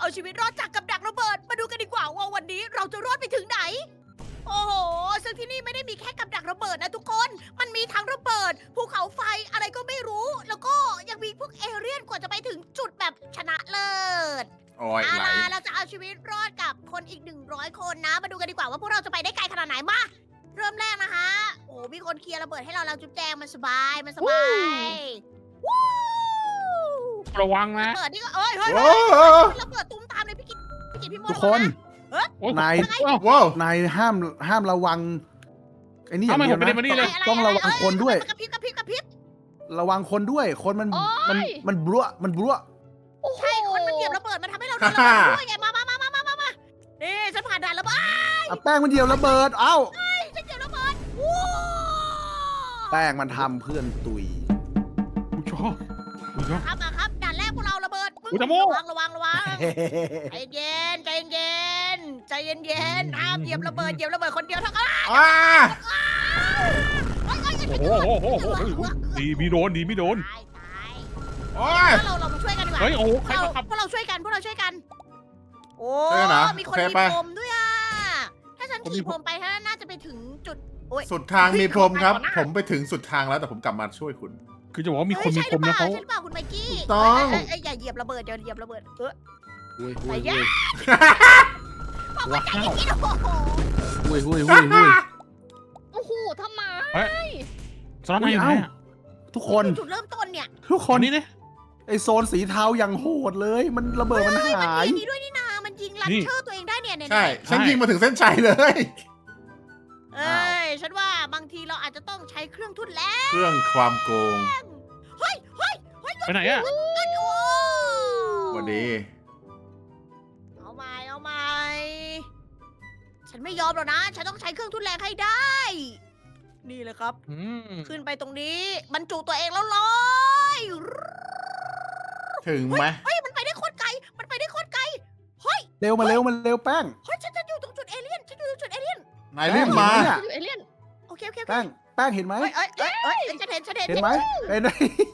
เอาชีวิตรอดจากกับดักระเบิด มาดูกันดีกว่าว่าวันนี้เราจะรอดไปถึงไหน โอ้โห ซึ่งที่นี่ไม่ได้มีแค่กับดักระเบิดนะทุกคน มันมีทั้งระเบิด ภูเขาไฟอะไรก็ไม่รู้ แล้วก็ยังมีพวกเอเลี่ยนกว่าจะไปถึงจุดแบบชนะเลิศโอ้ยเอาไหลล่ะเราจะเอาชีวิตรอดกับคนอีก100 คนนะ มาดูกันดีกว่าว่าพวกเราจะไปได้ไกลขนาดไหนมา เริ่มแรกนะคะ โอ้มีคนเคลียร์ระเบิดให้เราจุ๊บแจงมันสบาย มันสบายวู้ระวังนะระเบิดนี่ก็เอ้ยเฮ้ยโอ้ระเบิดตุ้มตามเลยพี่กิ๊กพี่โมทุกคนโอ้ยนายว้าวนายห้ามระวังไอ้นี่อย่างทำไมเดีผยมวไม่ได้นะมานี่เลยต้องระวังคนด้วยกระพริบกระพริบกระพริบระวังคนด้วย คนมันโอ๊ยมันบลัวมันบลัวใช่คนมันเหยียบระเบิดมันทำให้เราโดนระเบิดด้วยไงมานี่ฉันผ่านด่านแล้วบ้าอ่ะแป้งมันเดียวระเบิดเอ้าฉันเหยียบระเบิดวู้แป้งมันทำเพื่อนตุยอุ๊ยชอบอุ๊ยชอบครับมาครับด่านแรกพวกเราระเบิดอุ๊ยตะโมระวังใจเย็นใจเย็นห้ามเหยียบระเบิดคนเดียวเท่านั้นอ้าโอ้โหโอ้โหโอ้โหโอ้โหดีไม่โดนดีไม่โดนตายโอ้ยเรามาช่วยกันดีกว่าเฮ้ยโอ้โหใครมาขับพวกเราช่วยกันโอ้ช่วยกันเหรอมีคนโอเคมีไปพรมด้วยอ่ะถ้าฉันผมมีขี่พรมไปถ้าน่าจะไปถึงจุดโอ้ยสุดทางมีพรมครับเฮ้ยผมไปถึงสุดทางแล้วแต่ผมกลับมาช่วยคุณคือจะบอกว่ามีคนมีคมนะเขาใช่หรือเปล่าคุณไมค์กี้ถูกต้องเอ้ยอย่าเหยียบระเบิดอุ้ยอุ้ยไปอุ้ยย่าบอกว่าใจเย็นๆโอ้โหอุ้ยอุ้ยอุ้ยอุ้ยโอ้โหทำไมสล็อตไหนอยู่ไหนอะทุกคนจุดเริ่มต้นเนี่ยทุกคคน นนี้เนี่ยไอโซนสีเทาอย่างโหดเลย มันระเบิดมันหายมีด้วยนี่นามันยิงลันเชอร์ตัวเองได้เนี่ยใช่ ฉันยิงมาถึงเส้นชัยเลยเอ้ยฉันว่าบางทีเราอาจจะต้องใช้เครื่องทุ่นแรงเครื่องความโกงเฮ้ยไปไหนอะโอ้วันนี้เอาใหม่ฉันไม่ยอมหรอกนะ ฉันต้องใช้เครื่องทุ่นแรงให้ได้ นี่เลยครับอืมขึ้นไปตรงนี้บรรจุตัวเองแล้วลอยถึงไหมเฮ้ยมันไปได้โคตรไกลเฮ้ยเร็วมาเร็วแป้งฉันอยู่ตรงจุดเอเลี่ยนนายรีบมาเนี่ยอยู่เอเลี่ยนโอเคแป้งเห็นไหมเอ้ยฉันเห็นเห็นไหมเห็นไหม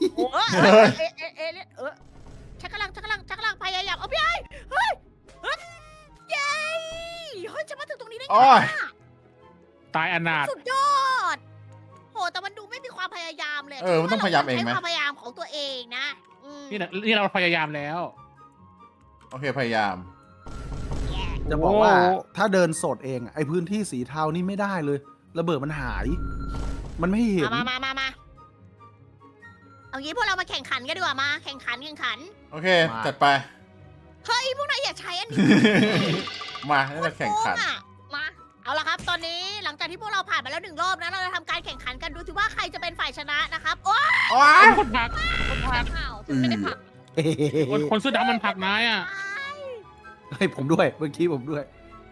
ฉันกำลังพยายามเอาพี่ไอ้เฮ้ยเย้เฮ้ยจะมาถึงตรงนี้ได้ไงโอ้ยตายอนาถสุดยอดโหแต่มันดูไม่มีความพยายามเลยมันต้องพยายามเองไหมใช้ความพยายามของตัวเองนะนี่เราพยายามแล้วโอเคพยายามจะบอกว่าโอ้ถ้าเดินสดเองไอพื้นที่สีเทานี่ไม่ได้เลย ระเบิดมันหาย มันไม่เห็นมาเอางี้พวกเรามาแข่งขันกันดีกว่ามาแข่งขันโอเค จัดไปเฮ้ยพวกนายอย่าใช้อันนี้มาให้เราแข่งขันโคตรโกอะมาเอาละครับ ตอนนี้หลังจากที่พวกเราผ่านมาแล้ว1 รอบนะเราจะทำการแข่งขันกันดูสิว่าใครจะเป็นฝ่ายชนะนะครับโอ้ยโอ้ยคนผลักข่าวฉันไม่ได้ผักคนเสื้อดำมันผลักนายอะให้ผมด้วยเมื่อกี้ผมด้วย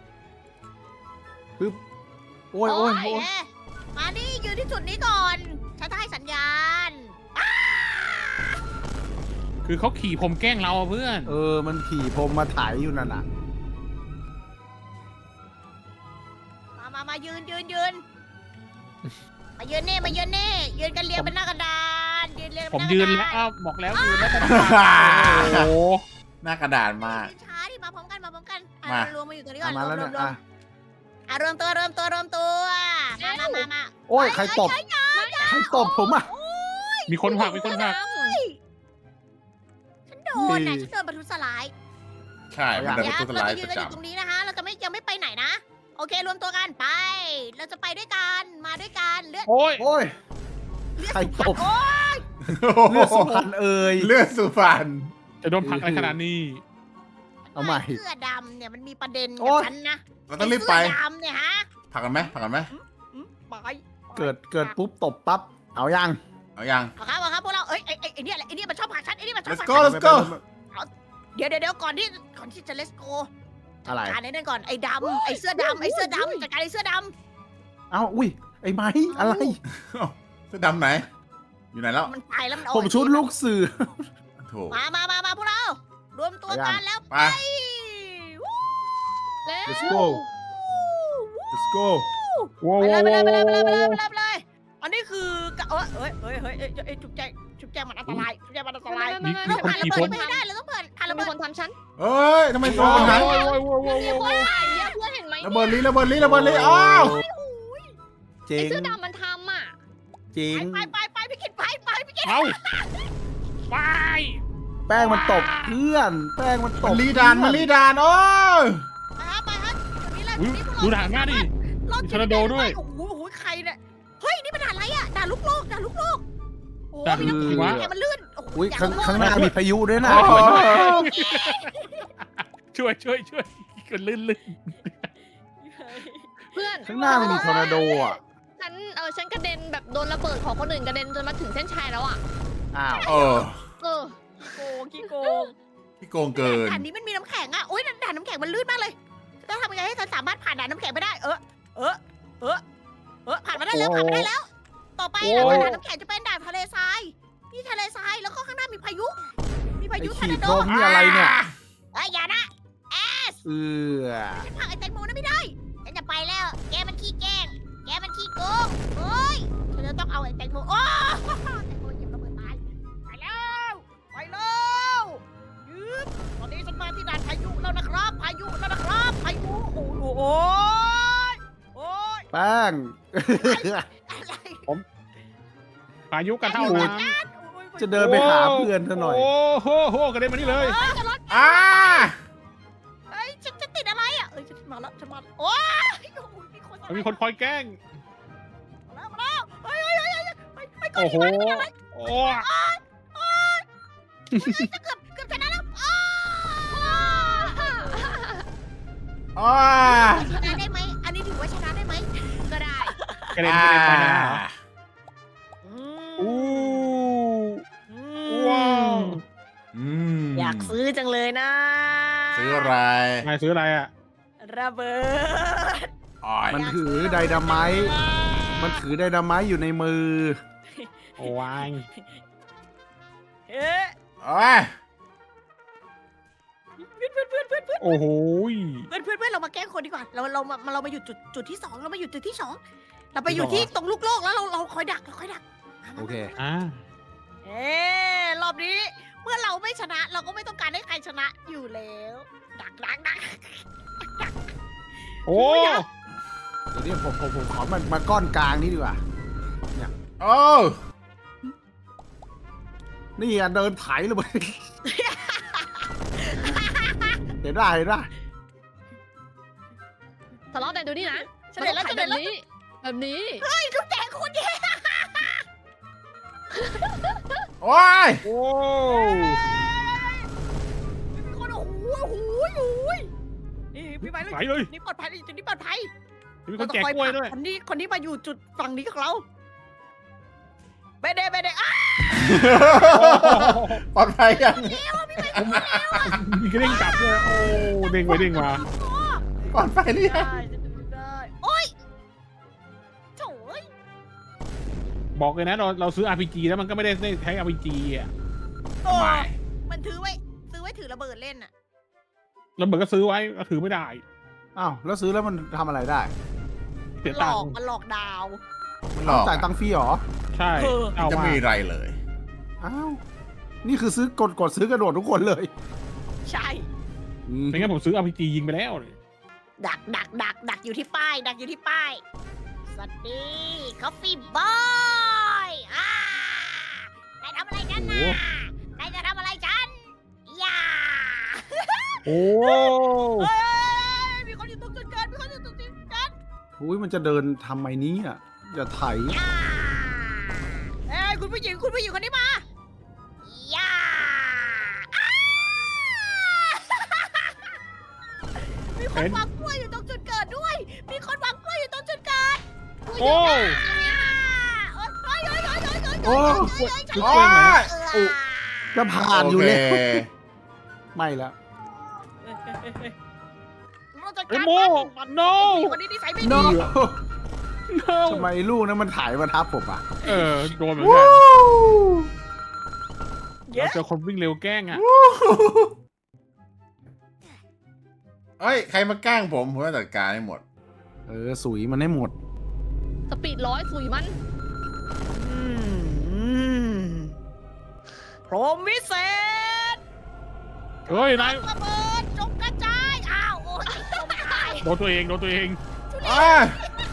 ปึ๊บโอ้ยมานี่ยืนที่จุดนี้ก่อนฉันจะให้สัญญาณคือเขาขี่ผมแกล้งเราอะเพื่อนมันขี่ผมมาถ่ายอยู่นั่นน่ะมายืนมายืนนี่ยืนกันเรียงเป็นหน้ากระดานเรียงผมยืนแล้วบอกแล้วยืนแล้วโอ้โหหน้ากระดาษมากช้าดิมาพร้อมกันมารวมมาอยู่ตรงนี้ก่อนมาแล้วเนี่ยอ่ะรวมตัวมาโอ้ยใครตบใครตบผมอ่ะมีคนผลักฉันโดนนะฉันโดนบรรทุกสลายใช่มันจะเป็นตัวสเราไลจะด์ยืปนระกันอยู่จำตรงนี้นะคะ เราจะยังไม่ไปไหนนะ โอเครวมตัวกันไป เราจะไปด้วยกันมาด้วยกันเลือดโอ้ยโอ้ย ใครตบโอ้ยเลือดสุพรรณเอ่ยเลือดสุพรรณจะโดนผลักอะไรขนาดนี้เอาใหม่เสื้อดำเนี่ยมันมีประเด็นโอ๊กับยฉันนะเราต้องรีบไปเสื้อดำเนี่ยฮะผลักกันไหมไปเกิดปุ๊บตบปั๊บเอายังเอายังเอาครับพวกเราเอ้ยไอ้เนี่ยมันชอบผลักฉันไอ้นี่มันชอบ let's ผลัก go ฉัน let's go เดี๋ยวก่อนที่จะ let's go อะไรจัดการไอ้นั่นก่อนไอ้ดำไอ้เสื้อดำจัดการไอ้เสื้อดเอ้าอุ้ยไอ้ไม้อะไรเสื้อดำไหน อยู่ไหนแล้วำมันไปแล้วมันผมชุดลูกเสือโถมาพวกเรา รวมตัวกันแล้วไปวู้ let's go let's go ว้าวไปเลยอันนี้คือกะเอ้ยจุ๊บแจงมันอันตรายมีเราคนผ่านระขี่เบิผดมไม่ได้เราต้องทานระมีเบิดคนทำฉันเอ้ยทำไมตัวมันหายโอ้ยโอ้ยโอ้ยมีโอ้ยคนถ่ายเนี่ยเพื่อนเห็นไหมระเบิดลีระเบิดลีระเบิดลีอ้าวเจ๋ไอ้งเสื้อดำมันทำอ่ะจริงไปพี่กินไปพี่กินเอาไปแป้งมันตบเพื่อน แป้งมันตมันบลีดานมันลีดานโอ้ยไปฮะเดี๋ยวนี้แหละอุ๊ยดูด่านหน้าดิรอดมีทอร์นาโดด้วยโอ้โหใครเนี่ยเฮ้ยนี่มันด่านอะไรอ่ะด่านลูกโลกโอ้ด่านมีน้ำหิมะแข็งมันลื่นโอ้โหอุ้ยอยากข้างหน้ามีพายุด้วยนะโอ้ยช่วยกันลื่นเพื่อนข้างหน้ามันมีทอร์นาโดอ่ะฉันกระเด็นแบบโดนระเบิดของคนอื่นกระเด็นจนมาถึงเส้นชัยแล้วอ่ะอ้าวเออเออขี้โกงพี่โกงเกินด่านนี้มันมีน้ำแข็งอ่ะโอ้ยด่านน้ำแข็งมันลื่นมากเลยจะทำยังไงให้ฉันสามารถผ่านด่านน้ำแข็งไปได้ผ่านมาได้แล้วผ่านมาได้แล้ว ต่อไปนะด่านน้ำแข็งจะเป็นด่านทะเลทรายนี่ทะเลทรายแล้วก็ข้างหน้ามีพายุ มีพาไอ้ยุทอขีร์นาดโดลมนี่อะไรเนี่ยอย่านะเออฉันผลักไอ้แตงโมนั่นไม่ได้ฉันจะไปแล้ว แกมันขี้แกล้งแกมันขี้โกงเฮ้ยฉันจะต้องเอาไอ้แตงโมโอ้แตงโมหยิบระเบิดตายไปแล้วยืบตอนนี้ฉันมาที่ด่านพายุแล้วนะครับพายุโอ้โหโอ้ยแป้งอะไรพายุกันเท่านั้นจะเดินไปหาเพื่อนซะหน่อยโอ้โหกระเด็นมานี่เลยอ้าเฮ้ยฉันจะติดอะไรอ่ะฉันมาแล้วโอ้ยมีคนมีคนคอยแกล้งมาแล้วเฮ้ยไปก่อนโอ้โหดีกว่าโอ้เกือบชนะแล้วอ้าชนะได้ไหมอันนี้ถือว่าชนะได้ไหมก็ได้กระเด็นไปนะอู้ว้าวอยากซื้อจังเลยนะซื้ออะไรนายซื้ออะไรอ่ะระเบิดอ้อยมันถือไดนาไมต์มันถือไดนาไมต์อยู่ในมือโอ้วายเอ๊ะโอ้ยโอ้โหเพื่อนเรามาแกล้งคนดีกว่าเรามาอยู่จุดที่สองเรามาอยู่จุดที่สองเราไปอยู่ที่ตรงลูกโลกแล้วเราคอยดักโอเคอ่ารอบนี้เมื่อเราไม่ชนะ เราก็ไม่ต้องการให้ใครชนะอยู่แล้ว ดักโอ้เดี๋ยวนี้ผมขอมาก้อนกลางนี้ดีกว่าโอ้นี่อ่ะเดินไถเลย เห็นได้ทะเลาะกันดูนี่นะฉันเห็นแล้วมันต้องถ่ายแบบนี้เฮ้ยลูกแจกคนเดียวโอ้ยโอ้มีคนโอ้โหนี่พี่ไปเลยไหลเลยนี่ปลอดภัยจุดนี้ปลอดภัยมีคนแจกกล้วยด้วยคนนี้มาอยู่จุดฝั่งนี้กับเราไปเด้อ้าปลอดภัยยังมีกระเด้งกลับด้วยโอ้เด้งไปเด้งมาปลอดภัยหรือยังได้โอ้ยโถ่เอ้ยบอกเลยนะเราซื้อ RPG แล้วมันก็ไม่ได้ใช้ RPG อ่ะไม่มันซื้อไว้ถือระเบิดเล่นน่ะแล้วเหมือนก็ซื้อไว้ก็ถือไม่ได้อ้าวแล้วซื้อแล้วมันทำอะไรได้เสียหลตังอกค์มันหลอกดาวมันหลอกจ่ายตังค์ฟรีเหรอใช่ เอาจะมามีอะไรเลยอ้าวนี่คือซื้อกดซื้อกระโดดทุกคนเลยใช่ไม่งั้นผมซื้อ RPG ยิงไปแล้วเลยดักอยู่ที่ป้ายสวัสดีคอฟฟี่บอยนายทำอะไรกันนะนายจะทำอะไรฉันอย่าโอ้เฮ้ยมีคนอยู่ตรงจุดเกิดอุ้ยมันจะเดินทำไมนี้อ่ะอย่าไถอย่าเอ้ยคุณผู้หญิงคนนี้มาอย่ามีคนวางกล้วยอยู่ตรงจุดเกิดด้วยโอ้โอ้จุดโอ้เกินไหนยจะผ่านอยู่แล้วโเคไม่ละเอ้ยโม่ no คนนี้นิสัยไม่โนดี no ทำไมลูกนั้นมันถ่ายมาทับผมอ่ะเออโดนเหมือนกันเราเจอคนวิ่งเร็วแกล้งอ่ะเอ้ย ใครมาแกล้งผมจะจัดการให้หมดสุยมันให้หมดสปีด100สุยมันพรหมวิเศษเฮ้ยนายระเบิดจงกระจายอ้าวโอ้ยจมตายโดนตัวเองโดนตัวเองอ้าย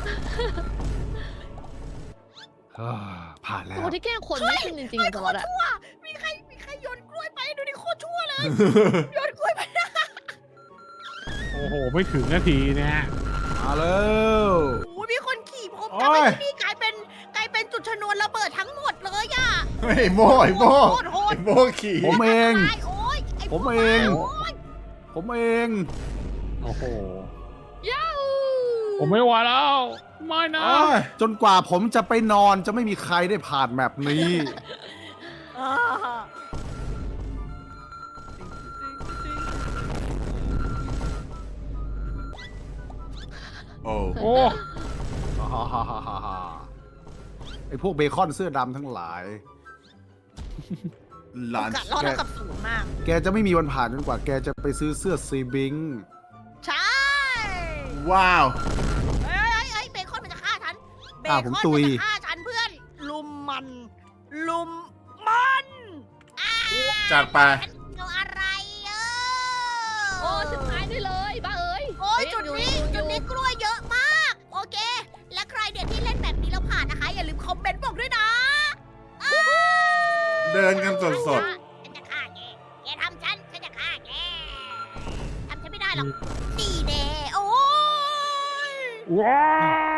ผ่านแล้ตัว วที่แกล้งคนไม่ขึ้นจริงๆอะสล็อตอะชั่วมีใครโยนกล้วยไปดูดิโคตรชั่วเลยโยนกล้วยไปโอ้โหไม่ถึงนาทีเนี่ยมาแล้วโอ้ยมีคนขี่ผมทำให้ที่นี่กลายเป็นจุดชนวนระเบิดทั้งหมดเลยอะเฮ้ยโม่ไอ้โม่โหดโหดไอ้โม่ขี่ผมเองตายโอ้ยไผมเองโยผมเองโอ้โหย้าวผมไม่ไหวแล้วไม่นะอ้ายจนกว่าผมจะไปนอนจะไม่มีใครได้ผ่านแมปนี้อ่าโอ้โอ้ไอพวกเบคอนเสื้อดำทั้งหลายหลานโอกาสรอดเท่ากับศูนย์มากแกจะไม่มีวันผ่านจนกว่าแกจะไปซื้อเสื้อซีบิงใช่ว้าวเฮ้ยเบคอนมันจะฆ่าฉันเบคอ่าอนผมมันตุยจะฆ่าฉันเพื่อน ลุมมันอ่าจัดไปฉันเอาอะไรเออโอ้สุดท้ายได้เลยบ้าเอ้ยโอ้ยเฮ้จุดอยู่นี้อยู่จุดนี้กล้วยเยอะมาก โอเค และใครเด็ดที่เล่นแบบนี้แล้วผ่านนะคะ อย่าลืมคอมเมนต์บอกด้วยนะเดินกันสดฉันจะฆ่าแกแกทำฉันจะฆ่าแกทำฉันไม่ได้หรอกดีแน่โอ้ยว้าว